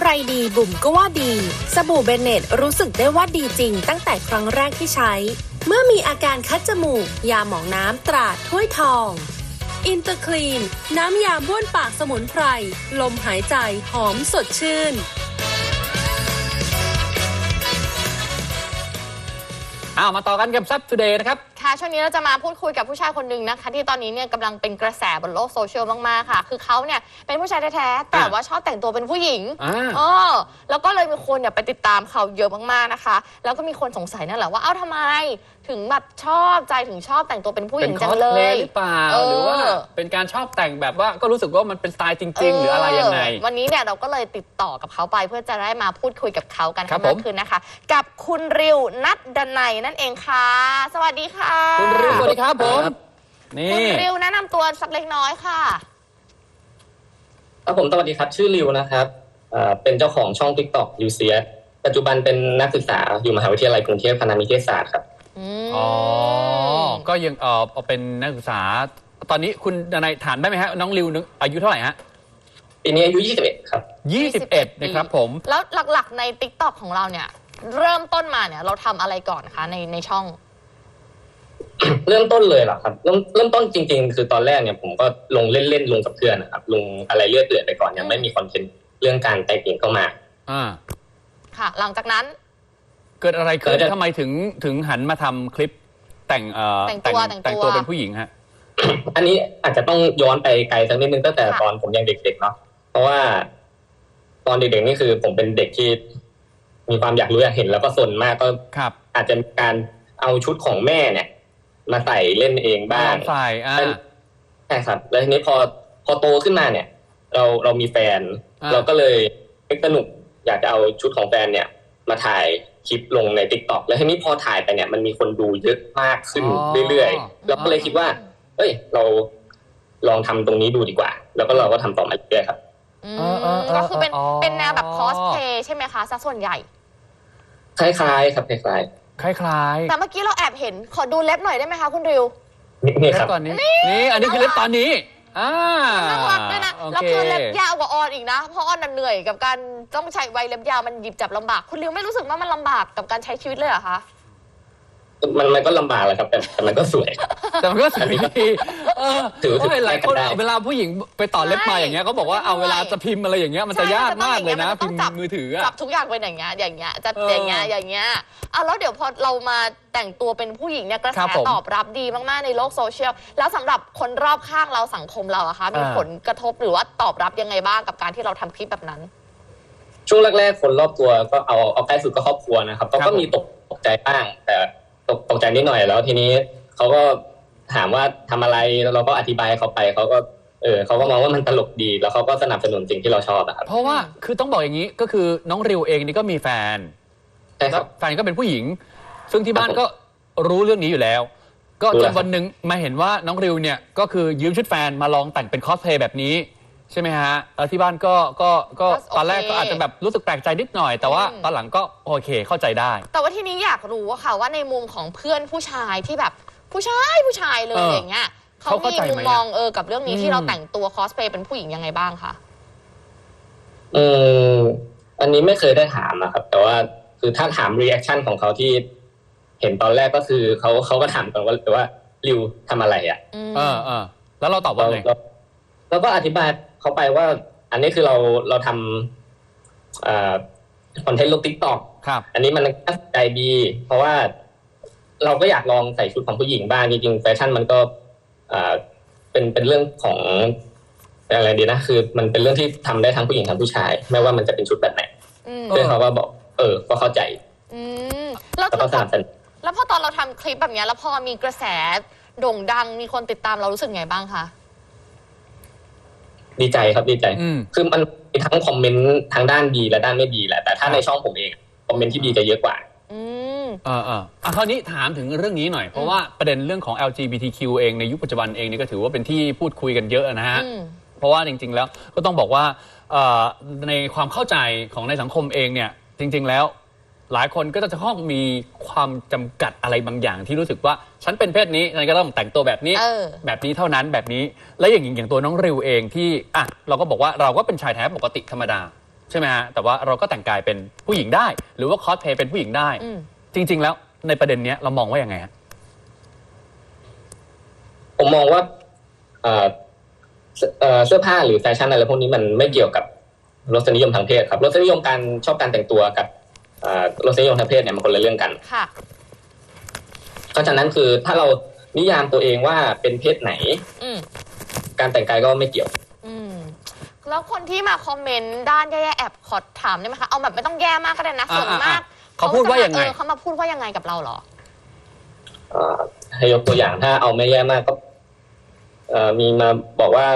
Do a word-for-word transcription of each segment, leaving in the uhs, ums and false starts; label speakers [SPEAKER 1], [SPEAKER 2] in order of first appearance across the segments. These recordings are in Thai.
[SPEAKER 1] รดีบุ๋มก็ว่าดีสบู่เบเนตรู้สึกได้ว่าดีจริงตั้งแต่ครั้งแรกที่ใช้เมื่อมีอาการคัดจมูกยาหมองน้ำตราถ้วยทองอินเตอร์คลีนน้ำยาบ้วนปากสมุนไพรลมหายใจหอมสดชื่น
[SPEAKER 2] อ้าวมาต่อกันกับซับทูเดย์นะครับ
[SPEAKER 3] ค่ะช่วงนี้เราจะมาพูดคุยกับผู้ชายคนหนึ่งนะคะที่ตอนนี้เนี่ยกำลังเป็นกระแสบนโลกโซเชียลมากๆค่ะคือเขาเนี่ยเป็นผู้ชายแท้ๆแต่ว่าชอบแต่งตัวเป็นผู้หญิงอ๋อแล้วก็เลยมีคนเนี่ยไปติดตามเขาเยอะมากๆนะคะแล้วก็มีคนสงสัยนั่นแหละว่าเอ้าทำไมถึงแบบชอบใจถึงชอบแต่งตัวเป็นผู้หญิงจังเลย
[SPEAKER 2] หรือเปล่าหรือว่าเป็นการชอบแต่งแบบว่าก็รู้สึกว่ามันเป็นสไตล์จริงๆหรืออะไรยังไง
[SPEAKER 3] วันนี้เนี่ยเราก็เลยติดต่อกับเขาไปเพื่อจะได้มาพูดคุยกับเขากันให้มากขึ้นนะคะกับคุณริวนัทดนัยนั่นเองค่ะสวัสดีค่ะ
[SPEAKER 2] คุณริวสวัสดีครับผมนี่
[SPEAKER 3] คุณริวแนะนำตัวสักเล็กน้อยค่ะ
[SPEAKER 4] ครับผมสวัสดีครับชื่อริวนะครับเป็นเจ้าของช่อง TikTok ริวเซียปัจจุบันเป็นนักศึกษาอยู่มหาวิทยาลัยกรุงเทพคณะนิเทศศาสตร์ครับ
[SPEAKER 2] อ๋อก็ยังเออเป็นนักศึกษาตอนนี้คุณดนัยถามได้ไหมฮะน้องริวอายุเท่าไหร่ฮะ
[SPEAKER 4] ปีนี้อายุยี่สิบเอ็ดครับ
[SPEAKER 2] ยี่สิบเอ็ดนะครับผม
[SPEAKER 3] แล้วหลักๆใน TikTok ของเราเนี่ยเริ่มต้นมาเนี่ยเราทำอะไรก่อนคะในในช่อง
[SPEAKER 4] เริ่มต้นเลยเหรอครับเริ่มเริ่มต้นจริงๆคือตอนแรกเนี่ยผมก็ลงเล่นๆลงกับเพื่อนนะครับลงอะไรเลื่อยเปื่อยไปก่อนยังไม่มีคอนเทนต์เรื่องการแต่งหญิงเข้ามา
[SPEAKER 2] อ่า
[SPEAKER 3] ค่ะหลังจากนั้น
[SPEAKER 2] เกิดอะไรขึ้นทำไมถึงถึงหันมาทำคลิปแต่งเอ่อ
[SPEAKER 3] แต่งตัว
[SPEAKER 2] แต่งตัวเป็นผู้หญิงฮะ
[SPEAKER 4] อันนี้อาจจะต้องย้อนไปไกลสักนิดนึงตั้งแต่ตอนผมยังเด็กๆเนาะเพราะว่าตอนเด็กๆนี่คือผมเป็นเด็กที่มีความอยากรู้อยากเห็นแล้วก็สนมากก็อาจจะมีการเอาชุดของแม่เนี่ยมาใส่เล่นเองบ้าง
[SPEAKER 2] ใส่อ่า
[SPEAKER 4] ใช่ครับแล้วทีนี้พอพอโตขึ้นมาเนี่ยเราเรามีแฟนเราก็เลยสนุกอยากจะเอาชุดของแฟนเนี่ยมาถ่ายคลิปลงใน TikTok แล้วทีนี้พอถ่ายไปเนี่ยมันมีคนดูเยอะมากขึ้นเรื่อยๆเราก็เลยคิดว่าเอ้ยเราลองทำตรงนี้ดูดีกว่าแล้วก็เราก็ทำต่อมาเรื่อยๆครับ
[SPEAKER 3] ก็คือเป็นเป็นแนวแบบคอสเพลย์ใช่ไหมคะซะส่วนใหญ่
[SPEAKER 4] คล้ายๆครับคล้าย
[SPEAKER 2] ๆคล้าย
[SPEAKER 3] ๆแต่เมื่อกี้เราแอบเห็นขอดูเล็บหน่อยได้ไหมคะคุณริว
[SPEAKER 4] นี่ครับ
[SPEAKER 2] ตอนนี้นี่อันนี้คือเล็บตอนนี้อ่า
[SPEAKER 3] น่ารักด้วยนะแล้วคือเล็บยาวกว่าออนอีกนะเพราะออนเหนื่อยกับการต้องใช้ไวเล็บยาวมันหยิบจับลำบากคุณริวไม่รู้สึกว่ามันลำบากกับการใช้ชีวิตเลยเหรอคะ
[SPEAKER 4] มันมันก็ลำบากแหละครับแต่แต่มันก็สวย
[SPEAKER 2] แต่มันก็สวยดีเออถือว่าหลายคนเวลาผู้หญิงไปต่อเล็บมาอย่างเงี้ยเขาบอกว่าเอาเวลาจะพิมพ์อะไรอย่างเงี้ยมันจะยากมากเลยนะพิมพ์มือถือ
[SPEAKER 3] จับทุกอย่างเป็นอย่างเงี้ยอย่างเงี้ยจะอย่างเงี้ยอย่างเงี้ยอ่ะแล้วเดี๋ยวพอเรามาแต่งตัวเป็นผู้หญิงเนี่ยกระแสตอบรับดีมากๆในโลกโซเชียลแล้วสำหรับคนรอบข้างเราสังคมเราอะคะมีผลกระทบหรือว่าตอบรับยังไงบ้างกับการที่เราทำคลิปแบบนั้น
[SPEAKER 4] ช่วงแรกๆคนรอบตัวก็เอาเอาใกล้สุดก็ครอบครัวนะครับเขาก็มีตกตกใจบ้างแต่ตกตกใจนิดหน่อยแล้วทีนี้เขาก็ถามว่าทำอะไรเราก็อธิบายเขาไปเขาก็เออเขาก็มองว่ามันตลกดีแล้วเขาก็สนับสนุนสิ่งที่เราชอบครับ
[SPEAKER 2] เพราะว่าคือต้องบอกอย่างนี้ก็คือน้องริวเองนี่ก็มีแฟน
[SPEAKER 4] ใช่ครับ
[SPEAKER 2] แฟนก็เป็นผู้หญิงซึ่งที่บ้านก็รู้เรื่องนี้อยู่แล้วก็จนวันหนึ่งมาเห็นว่าน้องริวเนี่ยก็คือยืมชุดแฟนมาลองแต่งเป็นคอสเพลย์แบบนี้ใช่ไหมฮะแล้วที่บ้านก็ก็ก็ตอนแรกก็อาจจะแบบรู้สึกแปลกใจนิดหน่อยแต่ว่าตอนหลังก็โอเคเข้าใจได้
[SPEAKER 3] แต่ว่าที่นี้อยากรู้ว่าค่ะว่าในมุมของเพื่อนผู้ชายที่แบบผู้ชายผู้ชายเลยอย่างเงี้ยเขามีมุมมองเออกับเรื่องนี้ที่เราแต่งตัวคอสเพลย์เป็นผู้หญิงยังไงบ้างคะ
[SPEAKER 4] อืมอันนี้ไม่เคยได้ถามนะครับแต่ว่าคือถ้าถามรีแอคชั่นของเขาที่เห็นตอนแรกก็คือเขาเขาก็ถามกันว่าแต่ว่าริวทำอะไรอ่ะ
[SPEAKER 2] เออเออแล้วเราตอบว่าไง
[SPEAKER 4] เราก็อธิบายเขาไปว่าอันนี้คือเราเราทำอ่าคอนเทนต์ลง TikTok
[SPEAKER 2] ครับ
[SPEAKER 4] อันนี้มันน่าสนใจดีเพราะว่าเราก็อยากลองใส่ชุดของผู้หญิงบ้างจริงๆแฟชั่นมันก็อ่าเป็นเป็นเรื่องของอะไรดีนะคือมันเป็นเรื่องที่ทำได้ทั้งผู้หญิงทั้งผู้ชายไม่ว่ามันจะเป็นชุดแบบไหนเพื่อนเขาก็บอกเออก็เข้าใจ
[SPEAKER 3] แล้วก็สนับสนุนแล้วพอตอนเราทำคลิปแบบนี้แล้วพอมีกระแสโด่งดังมีคนติดตามเรารู้สึกไงบ้างคะ
[SPEAKER 4] ดีใจครับดีใจคือมันมีทั้งคอมเมนต์ทางด้านดีและด้านไม่ดีแหละแต่ถ้าในช่องผมเองคอมเมนต์ที่ดีจะเยอะกว่า
[SPEAKER 2] อืมเออเอออ่ะคราวนี้ถามถึงเรื่องนี้หน่อยเพราะว่าประเด็นเรื่องของ แอล จี บี ที คิว เองในยุคปัจจุบันเองนี่ก็ถือว่าเป็นที่พูดคุยกันเยอะนะฮะเพราะว่าจริงๆแล้วก็ต้องบอกว่าในความเข้าใจของในสังคมเองเนี่ยจริงๆแล้วหลายคนก็จะต้องมีความจำกัดอะไรบางอย่างที่รู้สึกว่าฉันเป็นเพศนี้ฉันก็ต้องแต่งตัวแบบนี้แบบนี้เท่านั้นแบบนี้และอย่างอย่างตัวน้องริวเองที่อ่ะเราก็บอกว่าเราก็เป็นชายแท้ปกติธรรมดาใช่ไหมฮะแต่ว่าเราก็แต่งกายเป็นผู้หญิงได้ หรือว่าคอสเพลย์เป็นผู้หญิงได้จริง ๆ แล้วในประเด็นนี้เรามองว่ายังไงฮะ
[SPEAKER 4] ผมมองว่าเอ่อเสื้อผ้าหรือแฟชั่นอะไรพวกนี้มันไม่เกี่ยวกับรสนิยมทางเพศครับรสนิยมการชอบการแต่งตัวกับรสนิยมทางเพศเนี่ยมันคนละเรื่องกัน
[SPEAKER 3] ค่ะ
[SPEAKER 4] เพราะฉะนั้นคือถ้าเรานิยามตัวเองว่าเป็นเพศไหนการแต่งกายก็ไม่เกี่ยว
[SPEAKER 3] แล้วคนที่มาคอมเมนต์ด้านแย่ๆแอบขอถามได้ไหมคะเอาแบบไม่ต้องแย่มากก็ได้นะส่วนมาก
[SPEAKER 2] เขาพูดว่ายังไง
[SPEAKER 3] เขามาพูดว่ายังไงกับเราเหรอ
[SPEAKER 4] ให้ยกตัวอย่างถ้าเอาไม่แย่มากก็มีมาบอกว่า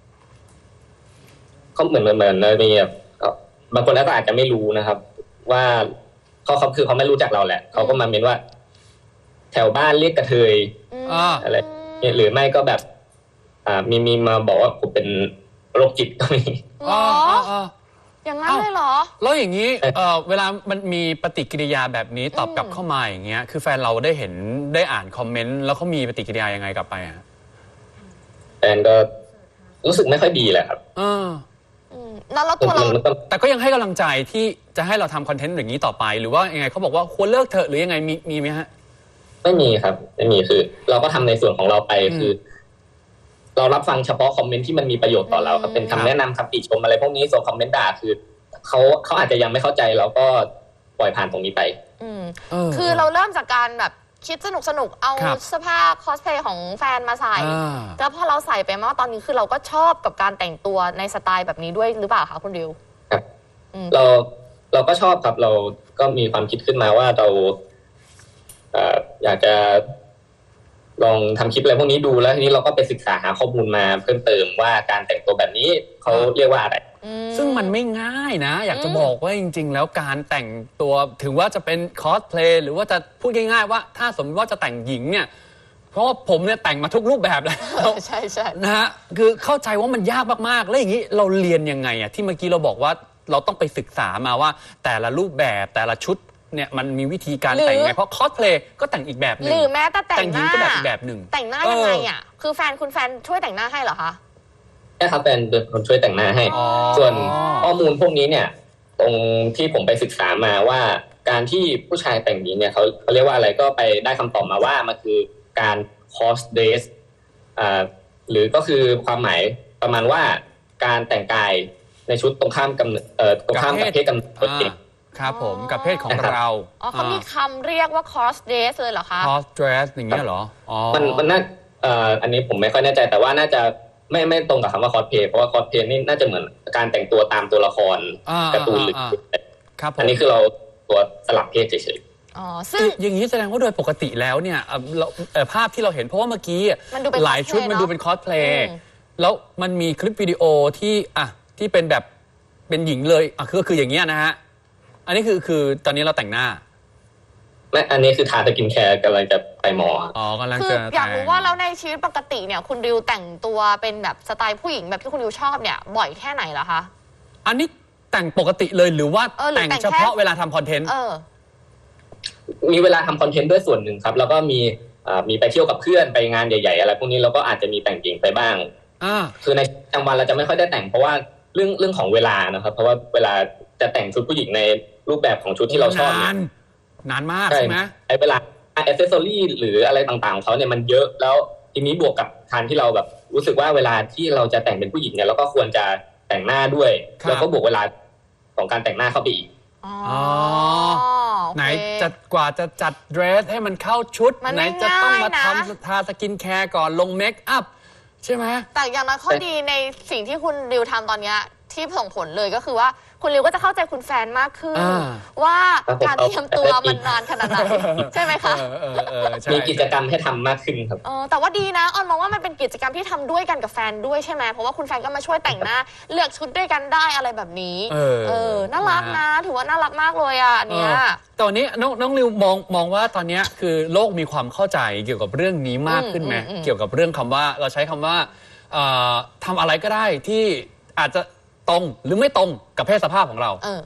[SPEAKER 4] เขาเหมือนเหมือนมีแบบบางคนแล้วก็อาจจะไม่รู้นะครับว่าเขาเขาคือเขาไม่รู้จักเราแหละเขาก็มาเมนว่าแถวบ้านเรียกกระเทยอะไรหรือไม่ก็แบบอ่ามีมีมาบอกว่าผมเป็นโรคจิตก็มี
[SPEAKER 3] อ๋ออย่างนั้นเลยเหรอ
[SPEAKER 2] แล้วอย่างนี้เออเวลามันมีปฏิกิริยาแบบนี้ตอบกลับเข้ามาอย่างเงี้ยคือแฟนเราได้เห็นได้อ่านคอมเมนต์แล้วเขามีปฏิกิริยายังไงกลับไปอ่ะ
[SPEAKER 4] แฟนก็รู้สึกไม่ค่อยดีแหละครับ
[SPEAKER 2] ออ
[SPEAKER 3] แล้วเราตัวเรา
[SPEAKER 2] แต่ก็ยังให้กำลังใจที่จะให้เราทำคอนเทนต์อย่างนี้ต่อไปหรือว่ายังไงเขาบอกว่าควรเลิกเถอะหรือยังไงมีมีไหมฮะ
[SPEAKER 4] ไม่มีครับไม่มีคือเราก็ทำในส่วนของเราไปคือเรารับฟังเฉพาะคอมเมนต์ที่มันมีประโยชน์ต่อเราครับเป็นคำแนะนำคำติชมอะไรพวกนี้ส่วนคอมเมนต์ด่าคือเขาเขาอาจจะยังไม่เข้าใจเราก็ปล่อยผ่านตรงนี้ไป
[SPEAKER 3] คือเราเริ่มจากการแบบคิดสนุกสนุกเอาเสื้อผ้าคอสเพลย์ของแฟนมาใส่แล้วพอเราใส่ไปมากตอนนี้คือเราก็ชอบกับการแต่งตัวในสไตล์แบบนี้ด้วยหรือเปล่าคะคุณดิว
[SPEAKER 4] ครับเราเราก็ชอบครับเราก็มีความคิดขึ้นมาว่าเราอยากจะลองทำคลิปอะไรพวกนี้ดูแล้วทีนี้เราก็ไปศึกษาหาข้อมูลมาเพิ่มเติมว่าการแต่งตัวแบบนี้เขาเรียกว่าอะไร
[SPEAKER 2] ซึ่งมันไม่ง่ายนะอยากจะบอกว่าจริงๆแล้วการแต่งตัวถึงว่าจะเป็นคอสเพลย์หรือว่าจะพูดง่ายๆว่าถ้าสมมติว่าจะแต่งหญิงเนี่ยเพราะว่าผมเนี่ยแต่งมาทุกรูปแบบแล้ว
[SPEAKER 3] ใช่ใช่
[SPEAKER 2] นะฮะคือเข้าใจว่ามันยากมากๆแล้วอย่างนี้เราเรียนยังไงอ่ะที่เมื่อกี้เราบอกว่าเราต้องไปศึกษามาว่าแต่ละรูปแบบแต่ละชุดเนี่ยมันมีวิธีการแต่งไงเพราะคอสเพลย์ก็แต่งอีกแบบหนึ่ง
[SPEAKER 3] หรือแม้แต่แต่งหน้า
[SPEAKER 2] ก็แบบอีกแบบหนึ่ง
[SPEAKER 3] แต่งหน้ายังไงอ่ะคือแฟนคุณแฟนช่วยแต่งหน้าให้เหรอคะ
[SPEAKER 4] ใช่ครับแฟนเป็นคนช่วยแต่งหน้าให้ส่วนข้อมูลพวกนี้เนี่ยตรงที่ผมไปศึกษามาว่าการที่ผู้ชายแต่งหญิงเนี่ยเขาเขาเรียกว่าอะไรก็ไปได้คำตอบมาว่ามันคือการ cross dress อ่าหรือก็คือความหมายประมาณว่าการแต่งกายในชุดตรงข้ามกับเอ่อตรงข้ามกับเพศกำเนิดตัวเอง
[SPEAKER 2] ครับผมกับเพศของเรา
[SPEAKER 3] อ๋อเขามีคำเรียกว่า cross dress เลยเหรอคะ
[SPEAKER 2] cross dress อย่างเงี้ยเหรออ๋อ
[SPEAKER 4] มันมันน่าเอ่ออันนี้ผมไม่ค่อยแน่ใจแต่ว่าน่าจะไม่ไม่ตรงกับคำว่า cosplay เพราะว่า cosplay นี่น่าจะเหมือนการแต่งตัวตามตัวละครการ์ตูนหรือ
[SPEAKER 2] ครับ
[SPEAKER 4] อันนี้คือเราตัวสลับเพศเฉย
[SPEAKER 3] ๆอ๋อซึ่ง
[SPEAKER 2] อย่างนี้แสดงว่าโดยปกติแล้วเนี่ยภาพที่เราเห็นเพราะว่าเมื่อกี้หลายชุดมันดูเป็น cosplay แล้วมันมีคลิปวิดีโอที่อ่ะที่เป็นแบบเป็นหญิงเลยอ่ะคือคืออย่างเงี้ยนะฮะอันนี้คือคือตอนนี้เราแต่งหน้า
[SPEAKER 4] ไม่อันนี้คือทาสกินแคร์กำลังจะไปหมอ
[SPEAKER 2] อ๋อกำลัง
[SPEAKER 3] จะอยากรู้ว่าแล้วในชีวิตปกติเนี่ยคุณดิวแต่งตัวเป็นแบบสไตล์ผู้หญิงแบบที่คุณดิวชอบเนี่ยบ่อยแค่ไหนเหรอคะ
[SPEAKER 2] อันนี้แต่งปกติเลยหรือว่าแต่งเฉพาะเวลาทำคอนเทนต์
[SPEAKER 4] มีเวลาทำคอนเทนต์ด้วยส่วนหนึ่งครับแล้วก็มีมีไปเที่ยวกับเพื่อนไปงานใหญ่ๆอะไรพวกนี้เราก็อาจจะมีแต่งหญิงไปบ้างคือในประจำวันเราจะไม่ค่อยได้แต่งเพราะว่าเรื่องเรื่องของเวลานะครับเพราะว่าเวลาจะแต่งชุดผู้หญิงในรูปแบบของชุดที่เราชอบเนี่ย
[SPEAKER 2] นานมากใช่ไหม
[SPEAKER 4] ไอ้เวลาแอคเซสซอรี่หรืออะไรต่างๆของเขาเนี่ยมันเยอะแล้วทีนี้บวกกับการที่เราแบบรู้สึกว่าเวลาที่เราจะแต่งเป็นผู้หญิงเนี่ยเราก็ควรจะแต่งหน้าด้วยแล้วก็บวกเวลาของการแต่งหน้าเข้าไปอีก
[SPEAKER 2] อ๋อไหนจะกว่าจะจัดเดรสให้มันเข้าชุดไหนจะต้องมาทำทาสกินแคร์ก่อนลงเมคอัพใช่ไหม
[SPEAKER 3] แต่อย่างน้อยข้อดีในสิ่งที่คุณดิวทำตอนนี้ที่ส่งผลเลยก็คือว่าคุณริวก็จะเข้าใจคุณแฟนมากขึ้นว่าการเตรียมตัวมันนานขนาดไหนใช่ไหมคะ
[SPEAKER 4] มีกิจกรรมให้ทำมากขึ้นครับ
[SPEAKER 3] แต่ว่าดีนะออนมองว่ามันเป็นกิจกรรมที่ทำด้วยกันกับแฟนด้วยใช่ไหมเพราะว่าคุณแฟนก็มาช่วยแต่งหน้าเลือกชุดด้วยกันได้อะไรแบบนี้เออน่ารักนะถือว่าน่ารักมากเลยอ่ะเนี่ย
[SPEAKER 2] ตอนนี้น้องน้องริวมองมองว่าตอนนี้คือโลกมีความเข้าใจเกี่ยวกับเรื่องนี้มากขึ้นไหมเกี่ยวกับเรื่องคำว่าเราใช้คำว่าทำอะไรก็ได้ที่อาจจะตรงหรือไม่ตรงกับเพศสภาพของเรา
[SPEAKER 3] เออ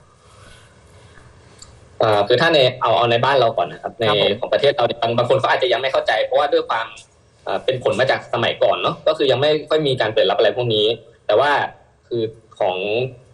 [SPEAKER 4] อ่าคือถ้าในเอาเอาในบ้านเราก่อนนะครับในของประเทศเราบางบางคนเขาอาจจะยังไม่เข้าใจเพราะว่าด้วยความอ่าเป็นผลมาจากสมัยก่อนเนาะก็คือยังไม่ค่อยมีการเปิดรับอะไรพวกนี้แต่ว่าคือของ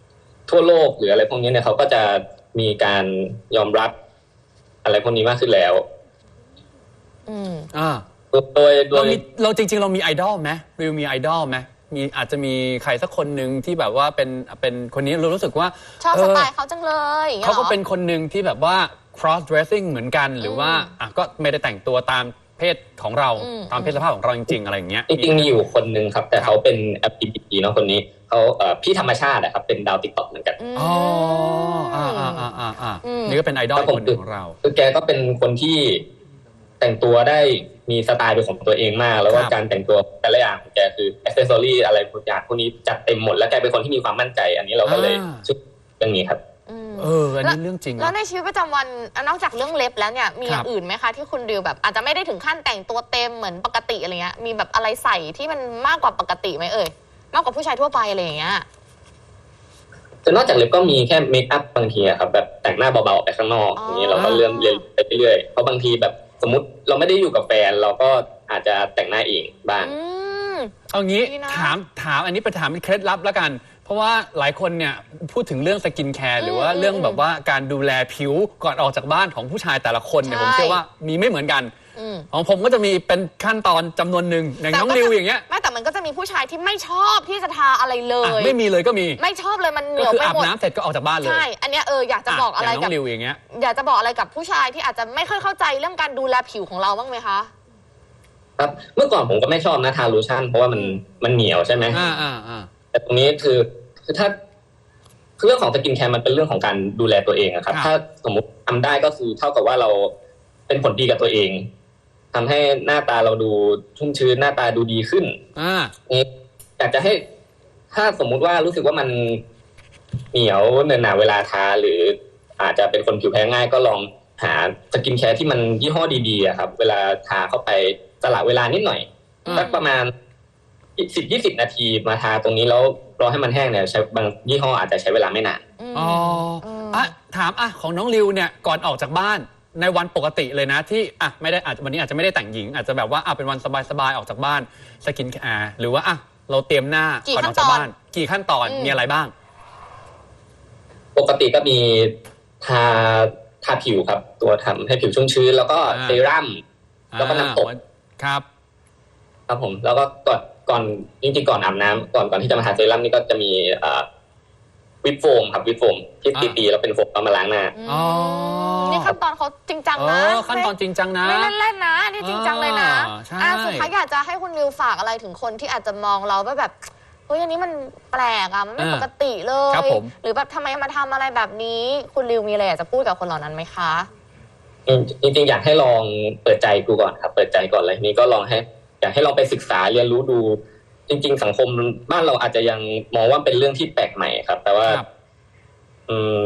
[SPEAKER 4] ทั่วโลกหรืออะไรพวกนี้เนี่ยเขาก็จะมีการยอมรับอะไรพวกนี้มากขึ้นแล้ว
[SPEAKER 3] อืม
[SPEAKER 2] อ่า
[SPEAKER 4] โดยโด
[SPEAKER 2] เรา
[SPEAKER 4] ย
[SPEAKER 2] มีเราจริง ๆ เรามีไอดอลไหมริวมีไอดอลไหมมีอาจจะมีใครสักคนหนึ่งที่แบบว่าเป็นเป็นคนนี้เรารู้สึกว่า
[SPEAKER 3] ชอบ
[SPEAKER 2] เอ
[SPEAKER 3] ส
[SPEAKER 2] อ
[SPEAKER 3] ไตล์เขาจังเลยอย่างงี้ย
[SPEAKER 2] เขา
[SPEAKER 3] หร
[SPEAKER 2] ก็
[SPEAKER 3] อ
[SPEAKER 2] เป็นคนหนึ่งที่แบบว่า cross dressing เหมือนกันหรือว่าอ่ะก็ไม่ได้แต่งตัวตามเพศของเรา
[SPEAKER 3] อืม
[SPEAKER 2] ตามเพศสภาพของเราจริง ๆ อะไรอย่างเงี้ย
[SPEAKER 4] จริงๆมีอยู่คนหนึ่งครับ แต่เขาเป็น แอล จี บี ที เนาะคนนี้เขาเอ่อพี่ธรรมชาติอะครับเป็นดาวติ๊กต็อกเหมือนกัน
[SPEAKER 3] อืม
[SPEAKER 2] อ๋ออ่าอ่าอ่าอ่าอ่า
[SPEAKER 3] อืม
[SPEAKER 2] นี่ก็เป็นไอดอลคนหนึ่งของเรา
[SPEAKER 4] คือแกก็เป็นคนที่แต่งตัวได้มีสไตล์เป็นของตัวเองมาก แล้วก็
[SPEAKER 2] ครับ
[SPEAKER 4] การแต่งตัวแต่ละอย่างของแกคืออ c เซสซอรี่อะไรพวกอย่างพวกนี้จัดเต็มหมดแล้วแกเป็นคนที่มีความมั่นใจ อันนี้เราก็เลยชื่อเรื่องนี้ครับ
[SPEAKER 3] อืม
[SPEAKER 2] เอออันนี้เรื่องจริง
[SPEAKER 3] แล้ว
[SPEAKER 2] นะ
[SPEAKER 3] ในชีวิตประจำวันนอกจากเรื่องเล็บแล้วเนี่ยมีอย่า
[SPEAKER 2] ครั
[SPEAKER 3] ง
[SPEAKER 2] บ
[SPEAKER 3] อื่นไหมคะที่คุณดิวแบบอาจจะไม่ได้ถึงขั้นแต่งตัวเต็มเหมือนปกติอะไรเงี้ยมีแบบอะไรใส่ที่มันมากกว่าปกติไหมเอ่ยมากกว่าผู้ชายทั่วไปอะไรอย่างเงี้ย
[SPEAKER 4] คือนอกจากเล็บก็มีแค่เมคอัพบางทีอะครับแบบแต่งหน้าเบาๆออกไปข้างนอก
[SPEAKER 3] อ๋อ
[SPEAKER 4] อ
[SPEAKER 3] อย่าง
[SPEAKER 4] นี้เราก็เริ่มเรียนไปเรื่อยๆเพราะบางทีแบบสมมติเราไม่ได้อยู่กับแฟน เราก็อาจจะแต่งหน้าเองบ้าง
[SPEAKER 3] อืม
[SPEAKER 2] เอางี้
[SPEAKER 3] ดีนะ
[SPEAKER 2] ถามถามอันนี้ไปถามเป็นเคล็ดลับแล้วกัน เพราะว่าหลายคนเนี่ยพูดถึงเรื่องสกินแคร์หรือว่า
[SPEAKER 3] อืม
[SPEAKER 2] เรื่อง
[SPEAKER 3] อืม
[SPEAKER 2] แบบว่าการดูแลผิวก่อนออกจากบ้านของผู้ชายแต่ละคนเนี่ย
[SPEAKER 3] ใช่
[SPEAKER 2] ผมเชื่อว่ามีไม่เหมือนกัน
[SPEAKER 3] อืม
[SPEAKER 2] ของผมก็จะมีเป็นขั้นตอนจำนวนหนึ่งอย่างน้องริวอย่างเงี้ย
[SPEAKER 3] ไม่แต่มันก็จะมีผู้ชายที่ไม่ชอบที่จะทาอะไรเล
[SPEAKER 2] อ่ะ
[SPEAKER 3] ย
[SPEAKER 2] ไม่มีเลยก็มี
[SPEAKER 3] ไม่ชอบเลยมันเห
[SPEAKER 2] ก็
[SPEAKER 3] นียว
[SPEAKER 2] คือ
[SPEAKER 3] ไป
[SPEAKER 2] อาบ
[SPEAKER 3] หมด
[SPEAKER 2] น้ำเสร็จก็ออกจากบ้านเลย
[SPEAKER 3] ใช่ อันเนี้ยเอออยากจะบอกอะไร
[SPEAKER 2] ย่างน้
[SPEAKER 3] กั
[SPEAKER 2] อบ งริวอย่างเงี้ย
[SPEAKER 3] อยากจะบอกอะไรกับผู้ชายที่อาจจะไม่ค่อยเข้าใจเรื่องการดูแลผิวของเราบ้างไหมคะ
[SPEAKER 4] ครับเมื่อก่อนผมก็ไม่ชอบนะทาโลชั่นเพราะว่ามันมันเหนียวใช่ไหม
[SPEAKER 2] อ่าอ่าอ่า
[SPEAKER 4] แต่ตรงนี้คือคือถ้าคือเรื่องของสกินแคร์มันเป็นเรื่องของการดูแลตัวเองอะครับ
[SPEAKER 2] ครับ
[SPEAKER 4] ถ้าสมมุติทำได้ก็คือเท่ากับว่าเราเป็นผลดีกับตัวเองทำให้หน้าตาเราดูชุ่มชื้นหน้าตาดูดีขึ้น
[SPEAKER 2] อ่า
[SPEAKER 4] นี่อยากจะให้ ถ้าสมมุติว่ารู้สึกว่ามันเหนียวเนินหนาเวลาทาหรืออาจจะเป็นคนผิวแพ้ง่ายก็ลองหาสกินแคร์ที่มันยี่ห้อดีๆอะครับ เวลาทาเข้าไปสละเวลานิดหน่อย
[SPEAKER 2] อืม
[SPEAKER 4] สักประมาณสิบยี่สิบนาทีมาทาตรงนี้แล้วรอให้มันแห้งเนี่ยใช้บางยี่ห้ออาจจะใช้เวลาไม่นาน
[SPEAKER 3] ม
[SPEAKER 2] อ๋ออ่ะถามอ่ะของน้องริวเนี่ยก่อนออกจากบ้านในวันปกติเลยนะที่อ่ะไม่ได้อาจวันนี้อาจจะไม่ได้แต่งหญิง อาจจะแบบว่าอ่ะเป็นวันสบายๆออกจากบ้านสกินแคร์หรือว่าอ่ะเราเตรียมหน้า
[SPEAKER 3] กี่
[SPEAKER 2] ก่อนอ
[SPEAKER 3] ขั้
[SPEAKER 2] อน กจาก
[SPEAKER 3] ตอน
[SPEAKER 2] บ้าน กี่ขั้นตอน
[SPEAKER 3] อืม
[SPEAKER 2] มีอะไรบ้าง
[SPEAKER 4] ปกติก็มีทาทาผิวครับ ตัวทำให้ผิวชุ่มชื้นแล้วก็
[SPEAKER 2] อ่า
[SPEAKER 4] เซรั่ม แล้วก็น้ำตก
[SPEAKER 2] อ่าครับ
[SPEAKER 4] ครับผม แล้วก็ก่อนก่อนจริงๆก่อนอาบน้ำก่อนก่อนที่จะมาทาเซรั่มนี่ก็จะมีอ่าวิปโฟมครับวิปโฟมที่
[SPEAKER 2] อ่า
[SPEAKER 4] ตีๆแล้วเป็นโฟมเอามาล้างหน้า
[SPEAKER 3] อืม
[SPEAKER 2] อ๋อ
[SPEAKER 3] นี่ขั้นตอนเขาจริงจัง
[SPEAKER 2] เอ
[SPEAKER 3] นะ
[SPEAKER 2] อขั้นตอนจริงจังนะ
[SPEAKER 3] ไม่เล่นๆนะนี่จริงจังเลยนะ
[SPEAKER 2] อ่าใช่
[SPEAKER 3] อ่ะสุดท้ายอยากจะให้คุณริวฝากอะไรถึงคนที่อาจจะมองเราว่าแบบเฮ้ยอันนี้มันแปลกอ่ะมันไม่ปกติเลย
[SPEAKER 2] ครับผม
[SPEAKER 3] หรือแบบทำไมมาทำอะไรแบบนี้ คุณริวมีอะไรอยากจะพูดกับคนเหล่านั้นไหมคะ
[SPEAKER 4] จริงๆอยากให้ลองเปิดใจดูก่อนครับ เปิดใจก่อนเลยนี้ก็ลองให้ อยากให้ลองไปศึกษาเรียนรู้ดู จริง ๆ สังคมบ้านเราอาจจะยังมองว่าเป็นเรื่องที่แปลกใหม่ครับ แต่ว่า
[SPEAKER 2] ครับ
[SPEAKER 4] อืม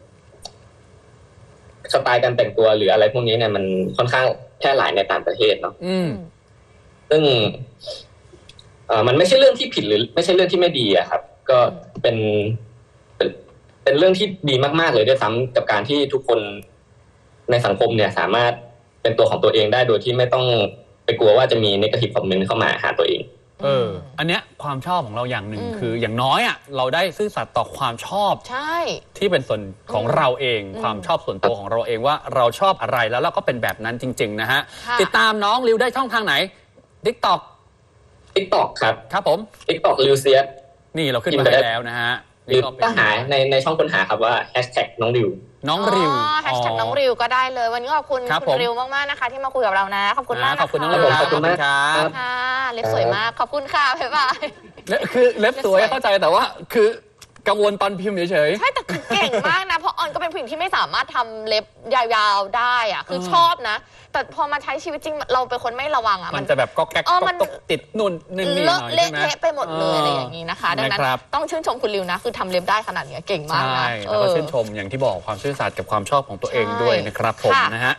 [SPEAKER 4] สไตล์การแต่งตัวหรืออะไรพวกนี้เนี่ยมันค่อนข้างแพร่หลายในต่างประเทศเนาะ
[SPEAKER 2] อืม
[SPEAKER 4] ซึ่งเอ่อมันไม่ใช่เรื่องที่ผิดหรือไม่ใช่เรื่องที่ไม่ดีอะครับ ก็เป็นเป็นเป็นเรื่องที่ดีมากๆเลยด้วยซ้ำกับการที่ทุกคนในสังคมเนี่ย สามารถเป็นตัวของตัวเองได้โดยที่ไม่ต้องไปกลัวว่าจะมี negative comment เข้ามาหาตัวเอง
[SPEAKER 2] เออ อันเนี้ยความชอบของเราอย่างหนึ่ง
[SPEAKER 3] อืม
[SPEAKER 2] คืออย่างน้อยอ่ะเราได้ซื่อสัตย์ต่อความชอบ
[SPEAKER 3] ใช่
[SPEAKER 2] ที่เป็นส่วนของเราเอง
[SPEAKER 3] อืม
[SPEAKER 2] ความชอบส่วนตัวของเราเองว่าเราชอบอะไรแล้วเราก็เป็นแบบนั้นจริง ๆ นะฮะ
[SPEAKER 3] ค่ะ
[SPEAKER 2] ติดตามน้องริวได้ช่องทางไหน TikTok
[SPEAKER 4] TikTok ครับ
[SPEAKER 2] ครับผม
[SPEAKER 4] TikTok ลิวเซียส
[SPEAKER 2] นี่เราขึ้น
[SPEAKER 4] พิมพ์
[SPEAKER 2] มา
[SPEAKER 4] ไป
[SPEAKER 2] ให้
[SPEAKER 4] ได้
[SPEAKER 2] แล้วนะฮะ
[SPEAKER 4] หรือ
[SPEAKER 2] นี่ก็เป็น
[SPEAKER 4] ก็หาในในช่องค้นหาครับว่า hashtag น้องริว
[SPEAKER 2] น้องริว
[SPEAKER 3] แฮชแท็กน้องริวก็ได้เลย วันนี้ขอบคุณ
[SPEAKER 2] ครับ
[SPEAKER 3] คุ
[SPEAKER 2] ผ
[SPEAKER 3] ณ
[SPEAKER 2] ม
[SPEAKER 3] ริวมากๆนะคะ ที่มาคุยกับเรานะ ขอบคุณมาก
[SPEAKER 2] ขอบคุณน้อง
[SPEAKER 3] นะ
[SPEAKER 2] ริว
[SPEAKER 3] คะ
[SPEAKER 2] ครับขอบคุณครับ
[SPEAKER 3] ค่ะเล็บสวยมาก ขอบคุณค่ะบ๊ายบาย
[SPEAKER 2] และคือเล็บสวย
[SPEAKER 3] เล็บสวย
[SPEAKER 2] เข้าใจแต่ว่าคือกังวลตอนพิมพ์เฉย
[SPEAKER 3] ใช่แต่คือเก่งมากนะ เพราะออนก็เป็นผู้หญิงที่ไม่สามารถทำเล็บยาวๆได้อะคือ
[SPEAKER 2] เออ
[SPEAKER 3] ชอบนะ แต่พอมาใช้ชีวิตจริงเราเป็นคนไม่ระวังอะ
[SPEAKER 2] ๆ มันจะแบบก็แก๊ก
[SPEAKER 3] เออ
[SPEAKER 2] ก็
[SPEAKER 3] มัน
[SPEAKER 2] ตกติดนู่นนี่นี่ห
[SPEAKER 3] เลอะ
[SPEAKER 2] น่อย
[SPEAKER 3] เละ
[SPEAKER 2] ใช่ไหม
[SPEAKER 3] เทะไปหมดเลยอะไรอย่างนี้นะคะ ดังนั้น
[SPEAKER 2] นะครับ
[SPEAKER 3] ต้องชื่นชมคุณริวนะ คือทำเล็บได้ขนาดเนี้ยเก่งมาก
[SPEAKER 2] ใช่
[SPEAKER 3] นะ
[SPEAKER 2] แล้วก็
[SPEAKER 3] เออ
[SPEAKER 2] ชื่นชมอย่างที่บอกความซื่อสัตย์กับความชอบของตัวเอง
[SPEAKER 3] ใช่
[SPEAKER 2] ด้วยนะครับผม
[SPEAKER 3] ค่ะ
[SPEAKER 2] นะฮะ